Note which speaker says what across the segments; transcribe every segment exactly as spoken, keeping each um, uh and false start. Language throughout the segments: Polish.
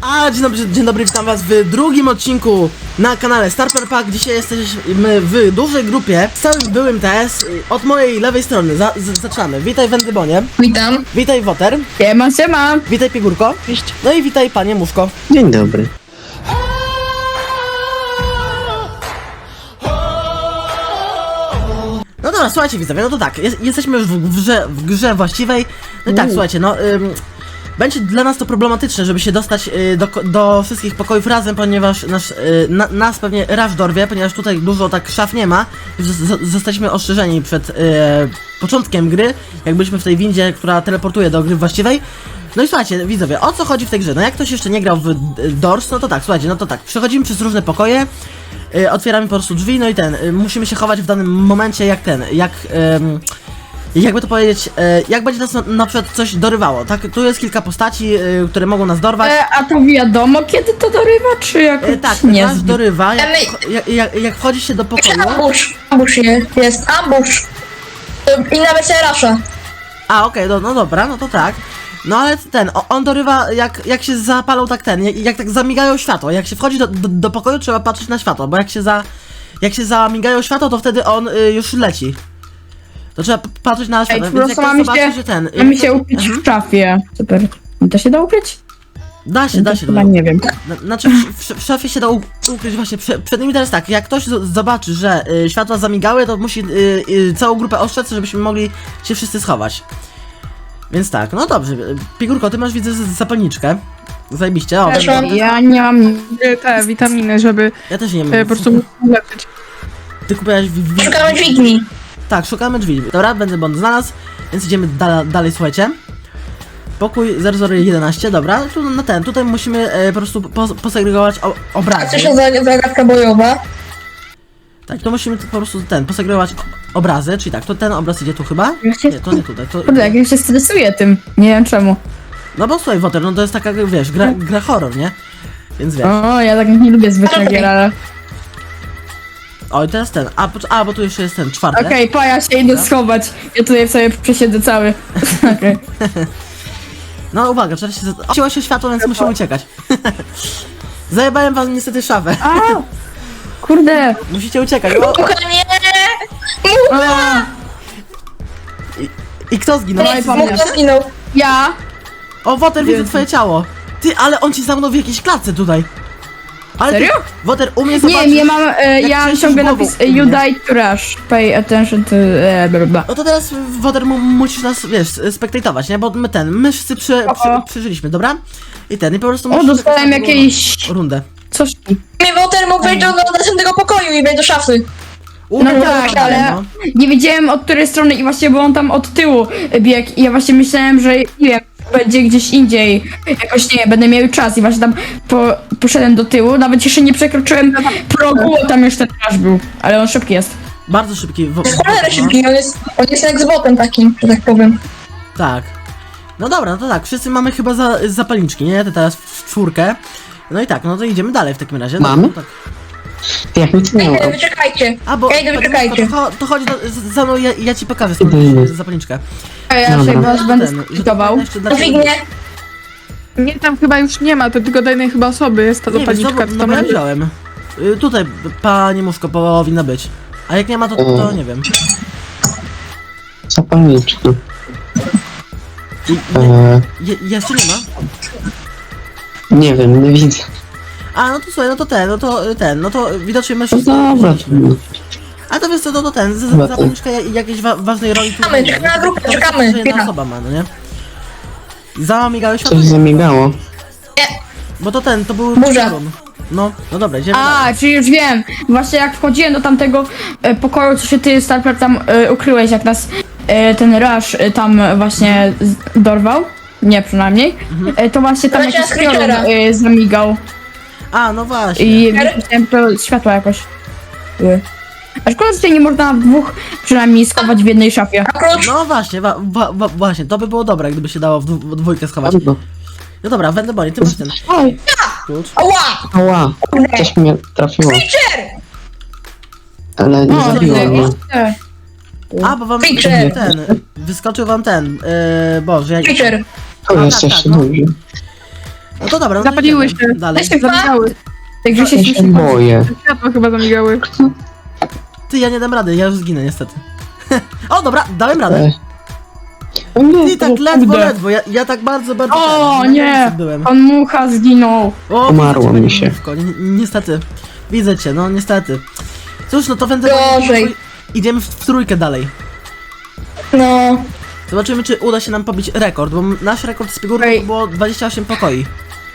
Speaker 1: A, dzień dobry, dzień dobry, witam was w drugim odcinku na kanale Starper Pack. Dzisiaj jesteśmy w dużej grupie z całym byłym T S. Od mojej lewej strony za z zaczynamy. Witaj Wendybonie.
Speaker 2: Witam.
Speaker 1: Witaj Woter.
Speaker 2: Siema, siema.
Speaker 1: Witaj Pigurko.
Speaker 2: Cześć.
Speaker 1: No i witaj Panie Muszko.
Speaker 3: Dzień dobry.
Speaker 1: No dobra, słuchajcie widzowie, no to tak, jest, jesteśmy już w, w, grze, w grze właściwej. No i tak, słuchajcie, no ym, będzie dla nas to problematyczne, żeby się dostać y, do, do wszystkich pokojów razem, ponieważ nasz, y, na, nas pewnie Rush dorwie, ponieważ tutaj dużo tak szaf nie ma. Z, z, zostaliśmy ostrzeżeni przed y, początkiem gry, jak byliśmy w tej windzie, która teleportuje do gry właściwej. No i słuchajcie, widzowie, o co chodzi w tej grze? No jak ktoś jeszcze nie grał w Doors, no to tak, słuchajcie, no to tak, przechodzimy przez różne pokoje. Yy, otwieramy po prostu drzwi, no i ten, yy, musimy się chować w danym momencie jak ten, jak, yy, jakby to powiedzieć, yy, jak będzie nas na, na przykład coś dorywało, tak? Tu jest kilka postaci, yy, które mogą nas dorwać.
Speaker 2: E, a to wiadomo, kiedy to dorywa, czy jakoś
Speaker 1: Yy, tak,
Speaker 2: nie?
Speaker 1: nas dorywa, jak,
Speaker 4: Ale-
Speaker 1: jak, jak, jak wchodzi się do pokoju.
Speaker 4: Ambush, ambush jest, jest ambush. I nawet rasza.
Speaker 1: A, okej, okay, no, no dobra, no to tak. No ale ten, o, on dorywa jak, jak się zapalą tak ten, jak, jak tak zamigają światło. Jak się wchodzi do, do, do pokoju, trzeba patrzeć na światło, bo jak się za, jak się zamigają światło, to wtedy on y, już leci. To trzeba p- patrzeć na światło,
Speaker 2: Ej,
Speaker 1: więc
Speaker 2: po
Speaker 1: jak
Speaker 2: prostu
Speaker 1: ktoś
Speaker 2: mamy
Speaker 1: zobaczy,
Speaker 2: się,
Speaker 1: że ten... y,
Speaker 2: mamy się
Speaker 1: to-
Speaker 2: ukryć
Speaker 1: Mhm.
Speaker 2: w szafie. Super. Da się da ukryć?
Speaker 1: Da się, da się.
Speaker 2: Chyba
Speaker 1: da-
Speaker 2: nie wiem.
Speaker 1: na- Znaczy w, w, w szafie się da u- ukryć właśnie, prze, przed nimi teraz tak, jak ktoś z, zobaczy, że y, światła zamigały, to musi y, y, całą grupę ostrzec, żebyśmy mogli się wszyscy schować. Więc tak, no dobrze, y, Pigurko, ty masz widzę z- zapalniczkę. Zajebiście, o,
Speaker 4: Też
Speaker 1: będę-
Speaker 4: mam.
Speaker 2: Ja nie mam...
Speaker 5: e, te witaminy, żeby
Speaker 1: ja też nie
Speaker 5: e,
Speaker 1: mam.
Speaker 5: po prostu ulepszyć.
Speaker 1: Ty kupiłaś w, w,
Speaker 4: Szukamy dźwigni.
Speaker 1: Tak, szukamy drzwi. Dobra, będę błąd znalazł, więc idziemy da dalej, słuchajcie. Pokój zero zero jedenaście, dobra, tu na ten, tutaj musimy e, po prostu po, posegregować o,
Speaker 4: A
Speaker 1: obrazy.
Speaker 4: co się za zagadka bojowa?
Speaker 1: Tak, to musimy tu po prostu ten, posegregować o- obrazy, czyli tak, to ten obraz idzie tu chyba?
Speaker 2: Ja się-
Speaker 1: Nie, to nie tutaj, to...
Speaker 2: Kurde, jak ja się stresuję tym. Nie wiem czemu.
Speaker 1: No bo słuchaj, Woter, no to jest taka, wiesz, gra, gra horror, nie? Więc wiesz.
Speaker 2: O, ja tak nie lubię zwykle gier, ale...
Speaker 1: O, i teraz ten, a, pocz- a bo tu jeszcze jest ten, czwarty.
Speaker 2: Okej, pa, ja się idę schować. Ja tutaj sobie przesiedzę cały. Okej.
Speaker 1: No uwaga, trzeba się... Ocięło się światło, więc musimy uciekać. Zajebałem wam niestety szafę.
Speaker 2: A! Kurde!
Speaker 1: Musicie uciekać. O,
Speaker 4: Mucha, nie!
Speaker 2: A,
Speaker 1: i, I kto zginął?
Speaker 2: Dawaj,
Speaker 1: Wszyscy
Speaker 2: pamiętam.
Speaker 1: zginęli?
Speaker 4: Mucha zginął.
Speaker 2: ja!
Speaker 1: O, Woter, widzę
Speaker 2: Jezu.
Speaker 1: twoje ciało. Ty, ale on ci zamknął w jakiejś klatce tutaj. Ale
Speaker 2: Serio?
Speaker 1: Ty, Woter, u mnie
Speaker 2: Nie
Speaker 1: zobaczysz...
Speaker 2: wiem, ja mam, e,
Speaker 1: jak
Speaker 2: ja mam
Speaker 1: trzęsiesz
Speaker 2: ciągle
Speaker 1: głową
Speaker 2: napis
Speaker 1: u
Speaker 2: e, You
Speaker 1: mnie.
Speaker 2: died to rush. Pay attention to... E, bla, bla, bla.
Speaker 1: No to teraz, Woter, mu- musisz nas, wiesz, spektatować, nie? Bo my ten, my wszyscy przy, przy,
Speaker 2: O.
Speaker 1: przeżyliśmy, dobra? I ten, i po prostu
Speaker 2: O,
Speaker 1: musisz
Speaker 2: dostałem
Speaker 1: czekać na
Speaker 2: jakieś...
Speaker 1: drugą rundę.
Speaker 2: Coś...
Speaker 4: Mnie Woter mógł wejść do, do następnego pokoju i wejść do szafy.
Speaker 1: U,
Speaker 2: No
Speaker 1: no
Speaker 2: tak,
Speaker 1: tak,
Speaker 2: ale
Speaker 1: no.
Speaker 2: nie wiedziałem od której strony i właśnie, bo on tam od tyłu biegł i ja właśnie myślałem, że nie wiem, będzie gdzieś indziej, jakoś nie wiem, będę miał czas i właśnie tam po, poszedłem do tyłu, nawet jeszcze nie przekroczyłem progu, tam już ten aż był, ale on szybki jest.
Speaker 1: Bardzo szybki. Wo-
Speaker 4: Jest cholerę
Speaker 1: no.
Speaker 4: szybki, on jest, on jest jak z botem takim, że tak powiem.
Speaker 1: Tak. No dobra, no to tak, wszyscy mamy chyba za, zapalniczki, nie? To teraz w czwórkę. No i tak, no to idziemy dalej w takim razie.
Speaker 3: Mamy?
Speaker 1: No, tak.
Speaker 3: Jak nic nie
Speaker 4: Ej,
Speaker 3: ma.
Speaker 4: wyczekajcie.
Speaker 1: A bo
Speaker 4: Ja idę,
Speaker 1: to,
Speaker 4: wyczekajcie.
Speaker 1: to, to chodź do, z- za mną, ja, ja ci pokażę skąd
Speaker 3: Idę, idę.
Speaker 1: zapalniczkę.
Speaker 2: A ja
Speaker 3: Dobra.
Speaker 2: się was
Speaker 1: No
Speaker 2: będę
Speaker 1: ten, że to
Speaker 2: skwitował.
Speaker 1: jeszcze dla
Speaker 4: Dźwignię.
Speaker 5: Nie, tam chyba już nie ma, to tylko do jednej chyba osoby jest ta
Speaker 1: Nie wiesz, no,
Speaker 5: zapalniczka,
Speaker 1: bo,
Speaker 5: co
Speaker 1: no
Speaker 5: tam
Speaker 1: bo ja
Speaker 5: leży.
Speaker 1: wziąłem. Y, tutaj, panie Muszko, powinna być. A jak nie ma, to, to nie wiem.
Speaker 3: Zapalniczki.
Speaker 1: I, nie,
Speaker 3: Eee,
Speaker 1: je, jeszcze nie ma?
Speaker 3: nie wiem, nie widzę.
Speaker 1: A, no to słuchaj, no to ten, no to y, ten, no to widocznie my
Speaker 3: No
Speaker 1: wszyscy
Speaker 3: dobra.
Speaker 1: wzięliśmy. A to wiesz co, no to ten, z- z-
Speaker 3: Dobra.
Speaker 1: zapalniczka ja- jakiejś wa ważnej roli tu
Speaker 4: Czekamy,
Speaker 1: nie ma.
Speaker 4: czekamy na grupę,
Speaker 1: To- to
Speaker 4: czekamy.
Speaker 1: tylko jedna
Speaker 4: Chwila.
Speaker 1: osoba ma, no nie? Zamigały światło,
Speaker 3: Coś zamigało.
Speaker 1: bo to ten, to był
Speaker 4: Burza.
Speaker 1: piorun. No, no dobra, idziemy dalej.
Speaker 2: A, czyli już wiem, właśnie jak wchodziłem do tamtego e, pokoju, co się ty, Starper, tam e, ukryłeś, jak nas e, ten Rush e, tam właśnie z, dorwał, nie przynajmniej, e, to właśnie tam
Speaker 4: Leciała
Speaker 2: jakiś piorun
Speaker 4: Createra.
Speaker 2: e, zamigał.
Speaker 1: A, no właśnie.
Speaker 2: I widziałem to światła jakoś. były. A szkoda, że tutaj nie można w dwóch przynajmniej schować w jednej szafie.
Speaker 4: A klucz?
Speaker 1: No właśnie, wa, wa, wa, właśnie, to by było dobre, gdyby się dało w, dwu, w dwójkę schować.
Speaker 3: Albo.
Speaker 1: No dobra, będę boli, ty masz ten
Speaker 2: Oj,
Speaker 1: klucz.
Speaker 4: Ała!
Speaker 3: Ała, coś mnie trafiło,
Speaker 4: Creature!
Speaker 3: ale nie
Speaker 2: o,
Speaker 3: zabiło mnie.
Speaker 2: nie.
Speaker 1: A, bo wam
Speaker 4: Creature.
Speaker 1: ten, wyskoczył wam ten, yy, boże, jak...
Speaker 4: Creature!
Speaker 3: To
Speaker 1: A,
Speaker 3: jest
Speaker 1: tak,
Speaker 3: jeszcze
Speaker 1: tak, no.
Speaker 3: dobrze.
Speaker 1: No to dobra, no to
Speaker 5: Zapaliły
Speaker 1: idziemy
Speaker 5: się.
Speaker 1: dalej.
Speaker 2: Weź tak
Speaker 5: Zamigały.
Speaker 2: Także się
Speaker 3: Ja się
Speaker 2: śmiesznie
Speaker 3: boję.
Speaker 5: Światła chyba zamigały.
Speaker 1: Ty, ja nie dam rady, ja już zginę niestety. O, dobra, dałem radę.
Speaker 3: E. O nie,
Speaker 1: I tak
Speaker 3: o
Speaker 1: ledwo,
Speaker 3: kurde.
Speaker 1: ledwo, ja, ja tak bardzo, bardzo...
Speaker 2: O
Speaker 1: ten, na
Speaker 2: nie,
Speaker 1: granicy byłem.
Speaker 2: pan Mucha zginął.
Speaker 1: O,
Speaker 3: Umarło
Speaker 1: widzę cię,
Speaker 3: mi się.
Speaker 1: Mówko, ni niestety. Widzę cię, no niestety. Cóż, no to będę...
Speaker 4: Gorzej.
Speaker 1: Idziemy w, w trójkę dalej.
Speaker 4: No.
Speaker 1: Zobaczymy, czy uda się nam pobić rekord, bo nasz rekord z figurką
Speaker 2: Ej.
Speaker 1: to było dwadzieścia osiem pokoi.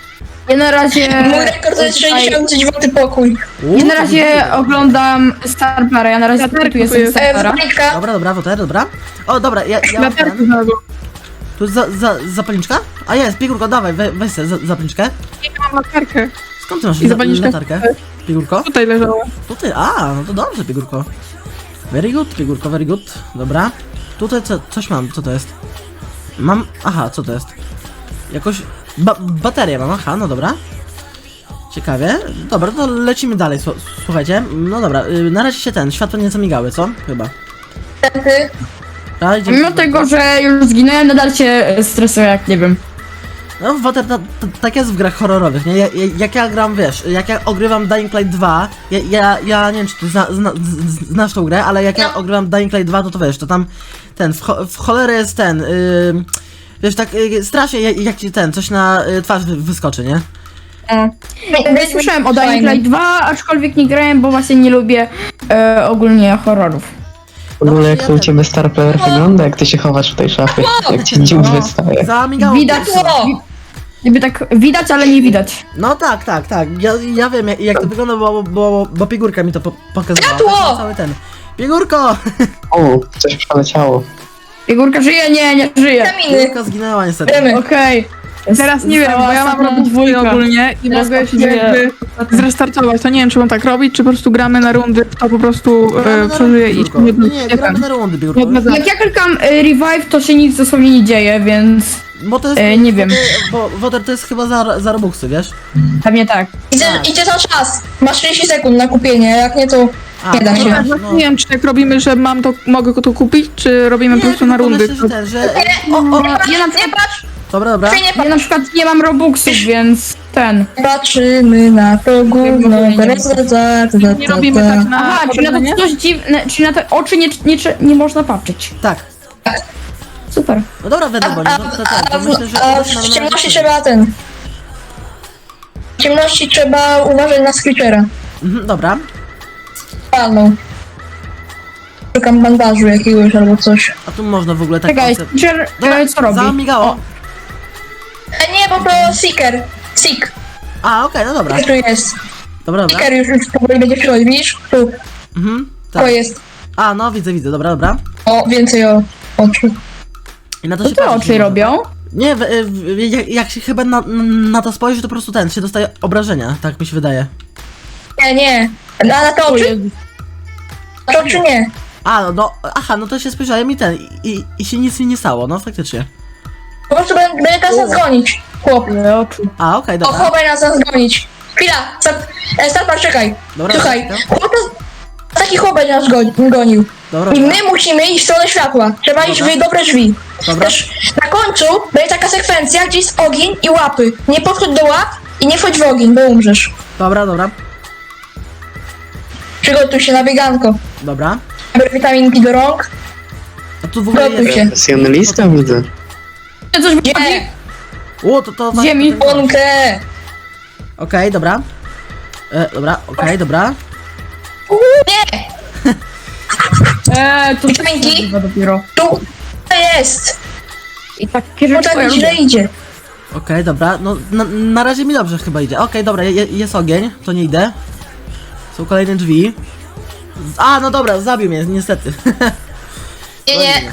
Speaker 2: Ja na razie...
Speaker 4: Mój rekord to jest sześćdziesiąt dziewiąty pokój.
Speaker 1: U,
Speaker 2: Ja na
Speaker 1: to
Speaker 2: razie
Speaker 1: dużo.
Speaker 2: oglądam Starpara, ja na razie
Speaker 5: Ja też
Speaker 2: tu jestem
Speaker 5: kupuję.
Speaker 4: E,
Speaker 2: Starpara.
Speaker 4: Wojtka,
Speaker 1: Dobra, dobra, woter, dobra. O, dobra, ja, ja mam
Speaker 5: Latarki
Speaker 1: ten.
Speaker 5: znalazłam.
Speaker 1: Tu jest za, za, zapalniczka? A jest, Pigurko, dawaj, we, weź sobie za, zapalniczkę.
Speaker 5: Nie mam latarkę.
Speaker 1: Skąd ty masz
Speaker 5: I
Speaker 1: za,
Speaker 5: zapalniczkę.
Speaker 1: latarkę? Pigurko?
Speaker 5: Tutaj leżała.
Speaker 1: Tutaj, a, no to dobrze, Pigurko. Very good, Pigurko, very good. Dobra. Tutaj co, coś mam, co to jest? Mam, aha, co to jest? Jakoś, ba, baterię mam, aha, no dobra. Ciekawie. Dobra, to lecimy dalej, słu- słuchajcie. No dobra, y, na razie się ten, światło nie zamigały, co? Chyba.
Speaker 4: ty.
Speaker 1: A, idziemy-
Speaker 2: Mimo tego, że już zginąłem, nadal się e, stresuję, jak nie wiem.
Speaker 1: No, Water, ta, ta, tak jest w grach horrorowych, nie? Ja, ja, jak ja gram, wiesz, jak ja ogrywam Dying Light dwa, ja, ja, ja nie wiem, czy ty zna, zna, z- znasz tą grę, ale jak ja ogrywam Dying Light dwa, to to wiesz, to tam ten, w, cho- w cholerę jest ten, yy, wiesz, tak yy, strasznie jak, jak ci ten, coś na y, twarz wy, wyskoczy, nie?
Speaker 2: No. Ja słyszałem o Dying
Speaker 4: Fajne.
Speaker 2: Light dwa, aczkolwiek nie grałem, bo właśnie nie lubię e, ogólnie horrorów.
Speaker 3: W ogóle jak
Speaker 1: ja
Speaker 3: to u
Speaker 1: ten-
Speaker 3: ciebie Star Player wygląda, jak ty się chowasz w tej szafie, jak ci dziób
Speaker 2: No.
Speaker 3: wystaje.
Speaker 1: Zamigało.
Speaker 2: Widać,
Speaker 4: O!
Speaker 2: niby tak widać, ale nie widać.
Speaker 1: No tak, tak, tak, ja, ja wiem jak, jak to wygląda, bo, bo, bo Pigurka mi to po, pokazywała.
Speaker 4: Światło!
Speaker 1: Tak, cały ten. Pigurko!
Speaker 3: O, coś przeleciało.
Speaker 2: Figurka żyje? Nie, nie żyje.
Speaker 4: Kaminy.
Speaker 1: Pigurka zginęła niestety.
Speaker 4: Wiemy.
Speaker 2: Okej.
Speaker 5: Teraz nie wiem, bo ja mam robić dwójkę ogólnie i
Speaker 2: Teraz
Speaker 5: mogę się
Speaker 2: patrzę.
Speaker 5: jakby zrestartować. To nie wiem, czy mam tak robić, czy po prostu gramy na rundy, kto po prostu
Speaker 1: Gramy
Speaker 5: e,
Speaker 1: na
Speaker 5: przeżyje
Speaker 1: rundy,
Speaker 5: i
Speaker 1: Pigurko.
Speaker 5: nie,
Speaker 1: Nie, nie, gramy na rundy, Pigurko.
Speaker 5: nie odmazamy.
Speaker 2: Jak ja klikam e, revive, to się nic dosłownie nie dzieje, więc
Speaker 1: Bo to jest,
Speaker 2: E, nie wiem.
Speaker 1: Bo Woter to jest chyba za, za robuxy, wiesz?
Speaker 2: pewnie tak.
Speaker 4: Idzie, idzie za czas. Masz trzydzieści sekund na kupienie, jak nie to
Speaker 1: A,
Speaker 4: nie da
Speaker 1: no
Speaker 4: się.
Speaker 1: tak,
Speaker 5: Ja
Speaker 1: no.
Speaker 5: nie wiem, czy tak robimy, że mam to, mogę to kupić, czy robimy po prostu na
Speaker 1: tylko
Speaker 5: rundy.
Speaker 1: myślę, że ten, że...
Speaker 2: O, o,
Speaker 4: Nie patrz,
Speaker 2: ja na
Speaker 4: nie
Speaker 2: przykład,
Speaker 4: patrz,
Speaker 1: Dobra, dobra.
Speaker 4: nie
Speaker 2: ja
Speaker 4: patrz.
Speaker 2: na przykład nie mam robuxów, więc ten.
Speaker 4: Patrzymy na to gówno. Teraz za, za, za,
Speaker 5: Nie
Speaker 4: za,
Speaker 5: robimy
Speaker 4: za.
Speaker 5: tak na
Speaker 2: Aha, czyli na
Speaker 5: obrażenie?
Speaker 2: to coś dziwne, czyli na te oczy nie, nie, nie można patrzeć.
Speaker 1: Tak.
Speaker 2: Super.
Speaker 1: No dobra, wiadomo,
Speaker 4: A,
Speaker 1: no to, to,
Speaker 4: a,
Speaker 1: to, to myślę, że...
Speaker 4: a
Speaker 1: to
Speaker 4: w
Speaker 1: nam-
Speaker 4: ciemności trzeba ten. W ciemności trzeba uważać na screechera.
Speaker 1: Mhm, dobra.
Speaker 4: Palną. Szukam bandażu jakiegoś albo coś.
Speaker 1: A tu można w ogóle tak...
Speaker 2: Czekaj,
Speaker 1: koncept-
Speaker 2: Teacher,
Speaker 1: Dobra,
Speaker 2: e, co robi?
Speaker 1: zamigało.
Speaker 4: E, nie, bo to Seeker. Seek.
Speaker 1: A, okej, no dobra.
Speaker 4: Tu jest.
Speaker 1: Dobra, dobra.
Speaker 4: Seeker już, już powoli będzie przychodzić, widzisz? Tu.
Speaker 1: Mhm,
Speaker 4: To
Speaker 1: tak.
Speaker 4: jest.
Speaker 1: A, no widzę, widzę, dobra, dobra.
Speaker 4: O, więcej o oczu.
Speaker 1: I na to
Speaker 2: Co
Speaker 1: się
Speaker 2: te
Speaker 1: patrzy,
Speaker 2: oczy
Speaker 1: nie
Speaker 2: robią?
Speaker 1: można. Nie, w, w, jak, jak się chyba na, na to spojrzy, to po prostu ten, się dostaje obrażenia, tak mi się wydaje.
Speaker 4: Nie, nie. Na, na te
Speaker 2: O
Speaker 4: oczy?
Speaker 2: Jezu.
Speaker 4: Na te oczy nie.
Speaker 1: A, no, no, aha, no to się spojrzałem i ten, i, i, i się nic mi nie stało, no faktycznie.
Speaker 4: Po prostu będę, będę teraz nas gonić. Chłop.
Speaker 2: Ile oczu.
Speaker 1: A, okej,
Speaker 4: O,
Speaker 1: dobra.
Speaker 4: chłop będzie nas zgonić. Chwila. Star, e, Starpar, czekaj.
Speaker 1: Dobra,
Speaker 4: Słuchaj.
Speaker 1: dobra.
Speaker 4: Chłop to, taki chłop będzie nas goni, gonił.
Speaker 1: Dobra,
Speaker 4: I
Speaker 1: dobra.
Speaker 4: my musimy iść w stronę światła. Trzeba iść
Speaker 1: Dobra.
Speaker 4: w dobre drzwi.
Speaker 1: Dobra.
Speaker 4: Też na końcu będzie taka sekwencja, gdzie jest ogień i łapy. Nie podchodź do łap i nie wchodź w ogień, bo umrzesz.
Speaker 1: Dobra, dobra,
Speaker 4: Przygotuj się na bieganko.
Speaker 1: dobra.
Speaker 4: Biorę witaminki do rąk.
Speaker 1: A tu w ogóle
Speaker 4: Gotuj
Speaker 1: jest...
Speaker 4: się.
Speaker 3: Profesjonalista widzę.
Speaker 2: Coś wychodzi?
Speaker 4: Nie,
Speaker 1: O, to to...
Speaker 2: Z ziemi.
Speaker 1: to- to-
Speaker 4: łąkę.
Speaker 1: Okej, dobra. E, dobra, okej, dobra.
Speaker 4: Nie,
Speaker 2: Eee, to
Speaker 4: Witaminki?
Speaker 2: chyba dopiero.
Speaker 4: tu to jest.
Speaker 2: I takie
Speaker 4: Bo
Speaker 2: rzeczy to ja
Speaker 4: tak źle
Speaker 2: lubię.
Speaker 4: idzie.
Speaker 1: Okej, dobra, no na, na razie mi dobrze chyba idzie. Okej, dobra, je, jest ogień, to nie idę. Są kolejne drzwi. A, no dobra, zabił mnie, niestety.
Speaker 4: Nie, nie.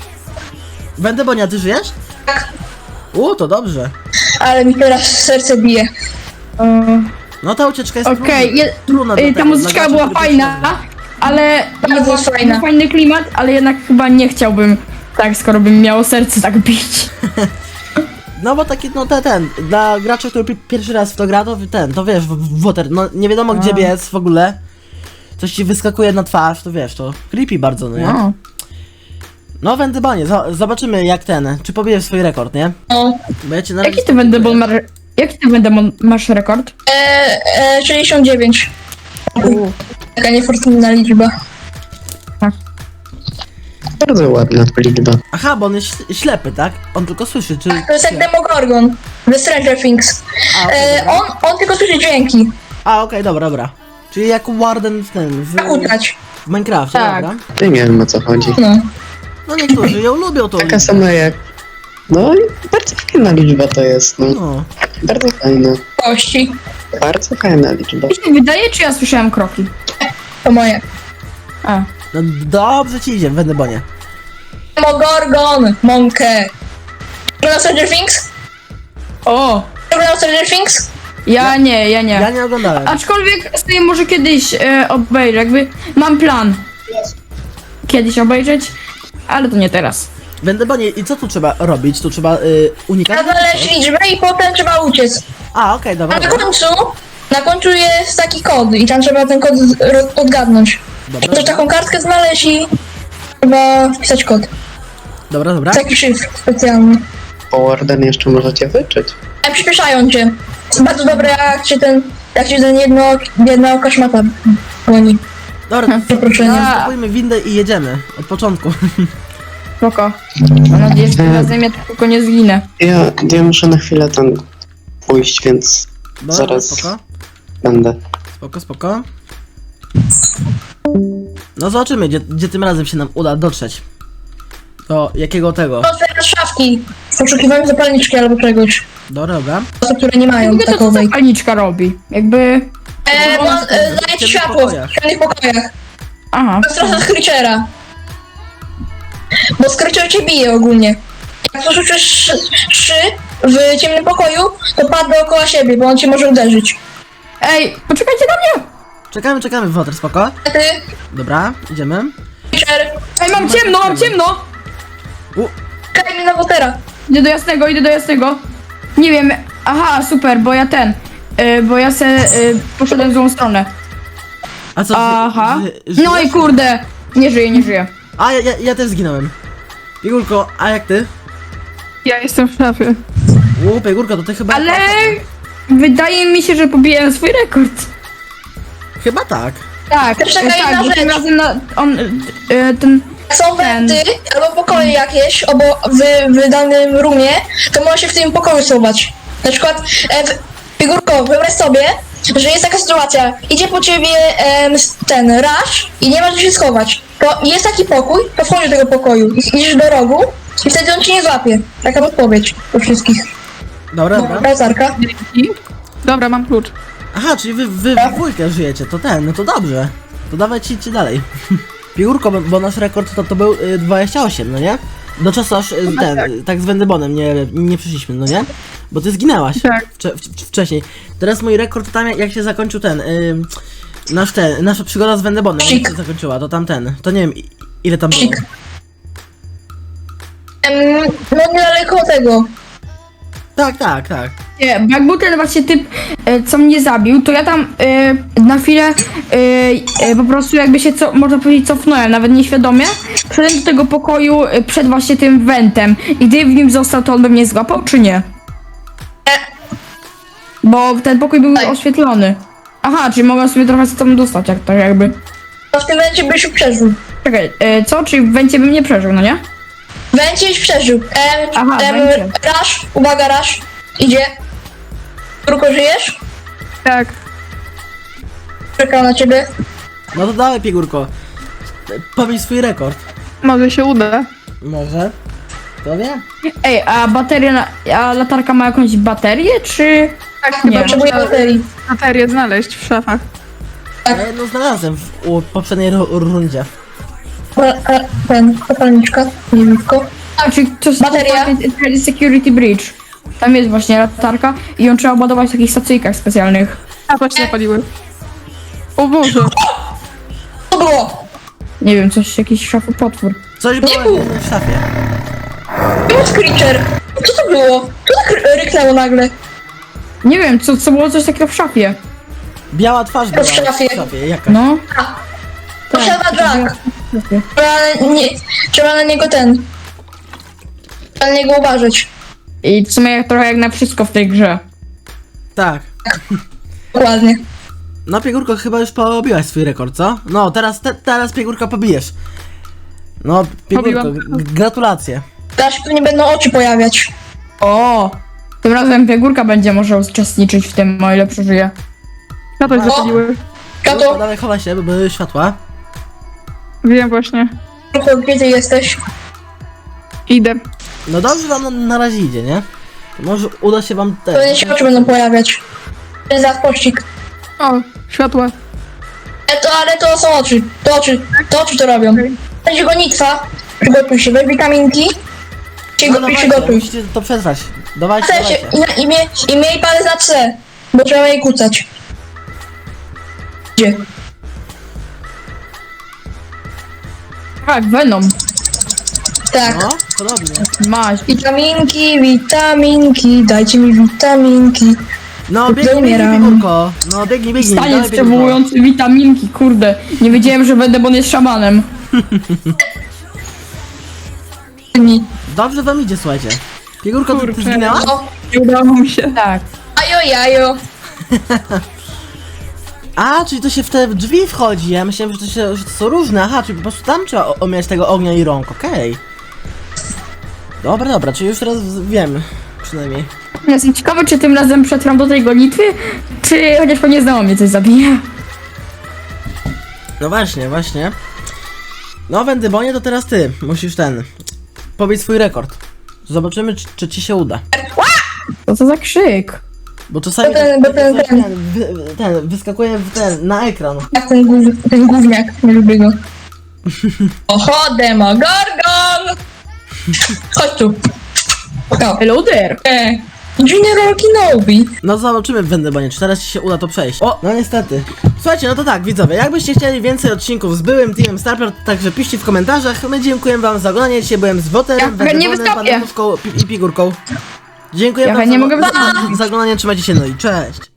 Speaker 1: Będę Bonia, ty żyjesz?
Speaker 4: Tak.
Speaker 1: U, to dobrze.
Speaker 4: Ale mi teraz serce bije.
Speaker 2: Eee,
Speaker 1: No ta ucieczka jest
Speaker 2: Okej,
Speaker 1: trudna,
Speaker 2: je-
Speaker 1: trudna
Speaker 2: y,
Speaker 1: do
Speaker 2: ta
Speaker 1: tego,
Speaker 2: muzyczka
Speaker 1: dla
Speaker 2: była
Speaker 1: graczy, którzy
Speaker 2: fajna,
Speaker 1: pierwszy raz
Speaker 2: ale
Speaker 4: Bardzo
Speaker 2: był
Speaker 4: fajna.
Speaker 2: fajny klimat, ale jednak chyba nie chciałbym tak, skoro bym miało serce tak bić.
Speaker 1: No bo taki, no te, ten, dla gracza, który pi- pierwszy raz w to gra, to ten, to wiesz, w- Water, no nie wiadomo gdzie
Speaker 2: A.
Speaker 1: biec w ogóle. Coś ci wyskakuje na twarz, to wiesz, to creepy bardzo, no nie?
Speaker 2: No.
Speaker 1: No Wendybonie, zo- zobaczymy jak ten, czy pobijesz swój rekord, nie?
Speaker 4: No.
Speaker 1: Bo ja cię na razie
Speaker 2: Jaki to będę bol ma re- Jaki ty będę mo- masz rekord?
Speaker 4: E, e, sześćdziesiąt dziewięć. Taka niefortunna liczba.
Speaker 3: Bardzo ładna liczba.
Speaker 1: Aha, bo on jest śl- ślepy, tak? On tylko słyszy, czy...
Speaker 4: To jest jak
Speaker 1: czy-
Speaker 4: Demogorgon. The Stranger Things.
Speaker 1: A, okej,
Speaker 4: E,
Speaker 1: dobra.
Speaker 4: on, on tylko słyszy dźwięki.
Speaker 1: A, okej, dobra, dobra. Czyli jak Warden w tym, w,
Speaker 4: Jak ugrać.
Speaker 1: w Minecrafcie,
Speaker 2: Tak.
Speaker 1: dobra?
Speaker 3: Nie wiem o co chodzi.
Speaker 4: No.
Speaker 1: No niektórzy ją lubią, tą
Speaker 3: Taka
Speaker 1: liczbę.
Speaker 3: sama jak... No i bardzo fajna liczba to jest, no.
Speaker 1: No.
Speaker 3: Bardzo fajna.
Speaker 4: Kości.
Speaker 3: Bardzo fajna liczba.
Speaker 2: Mi się wydaje, czy ja słyszałem kroki?
Speaker 4: To moje.
Speaker 2: A.
Speaker 1: No dobrze ci idzie, w Wendebonie.
Speaker 4: Demogorgon. Monkę. Oglądał Stranger Things?
Speaker 2: O!
Speaker 4: Oglądał Stranger Things?
Speaker 2: Ja nie, ja nie.
Speaker 1: Ja nie oglądałem.
Speaker 2: Aczkolwiek sobie może kiedyś e, obejrzę, jakby mam plan. Kiedyś obejrzeć, ale to nie teraz.
Speaker 1: W Wendebonie, i co tu trzeba robić? Tu trzeba y, unikać?
Speaker 4: Trzeba znaleźć liczbę i potem trzeba uciec.
Speaker 1: A, okej, dobra,
Speaker 4: A na
Speaker 1: dobra.
Speaker 4: końcu, na końcu jest taki kod i tam trzeba ten kod z- ro- odgadnąć.
Speaker 1: Dobra,
Speaker 4: Też
Speaker 1: dobra,
Speaker 4: taką kartkę znaleźć i trzeba wpisać kod.
Speaker 1: dobra, dobra.
Speaker 4: Taki szyfr specjalny.
Speaker 3: Po Warden jeszcze możecie wyczyć.
Speaker 4: A przyspieszają cię. Jest bardzo dobre jak cię ten, jak cię ten jedno, jedna oka szmata goni.
Speaker 1: Dobra,
Speaker 4: Przeproszenia.
Speaker 1: stopujmy windę i jedziemy. Od początku.
Speaker 2: Spoko. Mam nadzieję, że tym razem ja tylko nie zginę.
Speaker 3: Ja, ja muszę na chwilę tam pójść, więc
Speaker 1: Dobra,
Speaker 3: Zaraz.
Speaker 1: spoko.
Speaker 3: będę.
Speaker 1: Spoko, spoko. No zobaczymy, gdzie, gdzie tym razem się nam uda dotrzeć. Do jakiego tego?
Speaker 4: Otwierać szafki w poszukiwaniu zapalniczki albo czegoś.
Speaker 1: Dobra, dobra.
Speaker 4: Osób, które nie mają
Speaker 2: Jakby to co
Speaker 4: takowej.
Speaker 2: zapalniczka robi? Jakby...
Speaker 4: E,
Speaker 1: Dobra,
Speaker 4: no, e,
Speaker 1: w
Speaker 4: daje ci
Speaker 1: ciemnych
Speaker 4: światło
Speaker 1: pokojach.
Speaker 4: w ciemnych pokojach.
Speaker 2: Aha.
Speaker 4: To jest trochę Screechera. Bo Screecher cię bije ogólnie. Jak poszukisz szy w ciemnym pokoju, to padł dookoła siebie, bo on cię może uderzyć.
Speaker 2: Ej, poczekajcie na mnie!
Speaker 1: Czekamy, czekamy, Woter, spoko.
Speaker 4: A ty,
Speaker 1: Dobra, idziemy.
Speaker 4: Screecher,
Speaker 2: Ej, mam ciemno, mam ciemno!
Speaker 1: U,
Speaker 4: kaj mi na Wotera.
Speaker 2: Idę do jasnego, idę do jasnego. Nie wiem, aha, super, bo ja ten... Y, bo ja se y, poszedłem w złą stronę.
Speaker 1: a co? ży-
Speaker 2: Aha.
Speaker 1: ży-
Speaker 2: No i
Speaker 1: żyjesz?
Speaker 2: kurde, nie żyję, nie żyję.
Speaker 1: A, ja, ja, ja też zginąłem. Piegórko, a jak ty?
Speaker 5: Ja jestem w szafie.
Speaker 1: U, Piegórko, to ty chyba...
Speaker 2: Ale wydaje mi się, że pobiłem swój rekord.
Speaker 1: Chyba tak.
Speaker 2: Tak,
Speaker 4: Też taka
Speaker 2: tak,
Speaker 4: jedna
Speaker 2: bo tym
Speaker 4: rzecz.
Speaker 2: razem na, on, y, ten...
Speaker 4: Jak są wenty albo pokoje jakieś obo w, w danym roomie, to może się w tym pokoju schować. Na przykład, e, w, Figurko, wyobraź sobie, że jest taka sytuacja, idzie po ciebie em, ten rush i nie masz gdzie się schować. To jest taki pokój, to wchodzisz do tego pokoju, i idziesz do rogu i wtedy on cię nie złapie. Taka podpowiedź do wszystkich.
Speaker 1: Dobra, dobra.
Speaker 4: Browsarka.
Speaker 5: I? Dobra, mam klucz.
Speaker 1: Aha, czyli wy, wy w dwójkę żyjecie, to ten, no to dobrze. To dawajcie idźcie dalej. Piórko, bo, bo nasz rekord to, to był y, dwadzieścia osiem, no nie? Do czasu aż y, ten, tak. tak z Wendebonem nie, nie przyszliśmy, no nie? Bo ty zginęłaś
Speaker 5: Tak.
Speaker 1: wcze, w, wcześniej. Teraz mój rekord to tam jak, jak się zakończył ten, y, nasz ten, nasza przygoda z Wendebonem, jak się zakończyła, to tam ten, to nie wiem i- ile tam było.
Speaker 4: Cik. Em, no niedaleko tego.
Speaker 1: Tak, tak, tak.
Speaker 2: Nie, bo jak był ten właśnie typ, e, co mnie zabił, to ja tam e, na chwilę e, e, po prostu jakby się, co, można powiedzieć, cofnąłem, nawet nieświadomie. Wszedłem do tego pokoju e, przed właśnie tym wentem i gdy w nim został, to on by mnie złapał, czy nie? Bo ten pokój był
Speaker 4: Tak.
Speaker 2: oświetlony. Aha, czyli mogłem sobie trochę tam dostać, jak tak jakby.
Speaker 4: No w tym momencie byś już przeżył.
Speaker 2: Czekaj, e, co? Czyli w wencie bym nie przeżył, no nie?
Speaker 4: Węcie już przeżył. Em,
Speaker 2: Aha,
Speaker 4: em,
Speaker 2: węcie.
Speaker 4: rush, uwaga, rush. Idzie. Figurko, żyjesz?
Speaker 5: Tak.
Speaker 4: Czekał na ciebie.
Speaker 1: No to dawaj Piegórko. Powiedz swój rekord.
Speaker 5: Może się uda.
Speaker 1: Może? Kto wie?
Speaker 2: Ej, a bateria, na, a latarka ma jakąś baterię, czy...
Speaker 5: Tak,
Speaker 2: Nie.
Speaker 5: chyba
Speaker 4: Potrzebuję
Speaker 5: trzeba
Speaker 4: baterii.
Speaker 5: baterię znaleźć w szafach.
Speaker 1: Ja jedno znalazłem w u poprzedniej ru- rundzie.
Speaker 4: A, a, ten, zapalniczka, niewidko.
Speaker 2: A, czyli to jest
Speaker 4: Bateria?
Speaker 2: ten Security Bridge. Tam jest właśnie latarka i ją trzeba ładować w takich stacyjkach specjalnych.
Speaker 5: A, właśnie zapaliły. O Boże.
Speaker 4: Co było?
Speaker 2: Nie wiem, coś, jakiś szafopotwór.
Speaker 1: Coś było
Speaker 4: było.
Speaker 1: w szafie.
Speaker 4: Było Screecher. Co to było? Co tak ry- ryknęło nagle?
Speaker 2: Nie wiem, co, co było coś takiego w szafie.
Speaker 1: Biała twarz była
Speaker 4: w szafie.
Speaker 1: w szafie, jakaś.
Speaker 2: No.
Speaker 4: Posiada
Speaker 2: to
Speaker 4: Jack.
Speaker 2: było w szafie.
Speaker 4: Trzeba na, nie, trzeba na niego ten. Trzeba na niego uważać.
Speaker 2: I w sumie jak, trochę jak na wszystko w tej grze.
Speaker 1: Tak.
Speaker 4: Dokładnie.
Speaker 1: No Piegórko, chyba już pobiłaś swój rekord, co? No, teraz, te, teraz Piegórka pobijesz. No, Piegórko,
Speaker 5: Pobiłam.
Speaker 1: g- gratulacje.
Speaker 4: Teraz się pewnie będą oczy pojawiać.
Speaker 2: O! Tym razem Piegórka będzie może uczestniczyć w tym, o ile przeżyje.
Speaker 5: Na to
Speaker 4: O!
Speaker 5: zapaliły.
Speaker 1: Piegórko,
Speaker 4: Kato,
Speaker 1: dawaj, chowaj się, bo były światła.
Speaker 5: Wiem właśnie.
Speaker 4: gdzie ty jesteś?
Speaker 5: Idę.
Speaker 1: No dobrze wam na, na razie idzie, nie? To może uda się wam
Speaker 4: Pewnie
Speaker 1: też.
Speaker 4: się oczy będą pojawiać. To jest za pościg.
Speaker 5: O, światła.
Speaker 4: E, to, ale to są oczy. To oczy. To oczy to robią. Będzie gonitwa. Przygotuj się. Weź witaminki. Się
Speaker 1: No
Speaker 4: go, i
Speaker 1: dawajcie,
Speaker 4: przygotuj.
Speaker 1: musicie to przetrwać. Dawajcie,
Speaker 4: C się,
Speaker 1: dawajcie.
Speaker 4: i, i, mie, I miej palec na C. Bo trzeba jej kucać. Gdzie?
Speaker 2: Tak, Venom.
Speaker 4: Tak.
Speaker 1: No, podobnie.
Speaker 2: Maś.
Speaker 4: Witaminki, witaminki, dajcie mi witaminki.
Speaker 1: No, biegnij, biegnij,
Speaker 4: Umieram.
Speaker 1: Piegórko. No, biegnij, biegnij.
Speaker 2: Staniec
Speaker 1: dawaj, Piegórko.
Speaker 2: przywołujący witaminki, kurde. Nie wiedziałem, że będę, bo on jest szamanem.
Speaker 4: Mi.
Speaker 1: Dobrze wam idzie, słuchajcie. Piegórko, ty, ty
Speaker 5: Kurczę.
Speaker 1: zginęła?
Speaker 4: O,
Speaker 5: Nie udało mi się.
Speaker 2: Tak.
Speaker 4: ajo, jajo.
Speaker 1: A, czyli to się w te drzwi wchodzi. Ja myślałem, że to, się, że to są różne. Aha, czyli po prostu tam trzeba o- omijać tego ognia i rąk, okej. Dobra, dobra, czyli już teraz wiem. Przynajmniej.
Speaker 2: Jestem ciekawy, czy tym razem przetrwam do tej gonitwy, czy chociaż pewnie znowu mnie coś zabije.
Speaker 1: No właśnie, właśnie. No, Wendybonie, to teraz ty. Musisz ten. Pobić swój rekord. Zobaczymy, czy, czy ci się uda.
Speaker 2: Co to za krzyk?
Speaker 1: Bo czasami
Speaker 4: Bo ten- bo ten-
Speaker 1: ten,
Speaker 4: ten.
Speaker 1: wy, ten wyskakuje w ten, na ekran.
Speaker 4: Jak ten, gów, ten gówniak, nie lubię go. Oho, Demogorgon! Chodź tu. No.
Speaker 2: Hello there!
Speaker 4: E, Junior Kenobi.
Speaker 1: No zobaczymy w Wendybonie, czy teraz ci się uda to przejść. O, no niestety. Słuchajcie, no to tak, widzowie, jakbyście chcieli więcej odcinków z byłym teamem Starpler, to także piszcie w komentarzach. My dziękujemy wam za oglądanie. Dzisiaj byłem z Woterem,
Speaker 2: Ja chętnie
Speaker 1: Wendybonem,
Speaker 2: wystąpię.
Speaker 1: Bananówką i, i Pigórką. Dziękuję
Speaker 2: Ja
Speaker 1: wam
Speaker 2: chętnie
Speaker 1: za,
Speaker 2: mogę
Speaker 1: za,
Speaker 2: wystąpić.
Speaker 1: za oglądanie, trzymajcie się, no i cześć.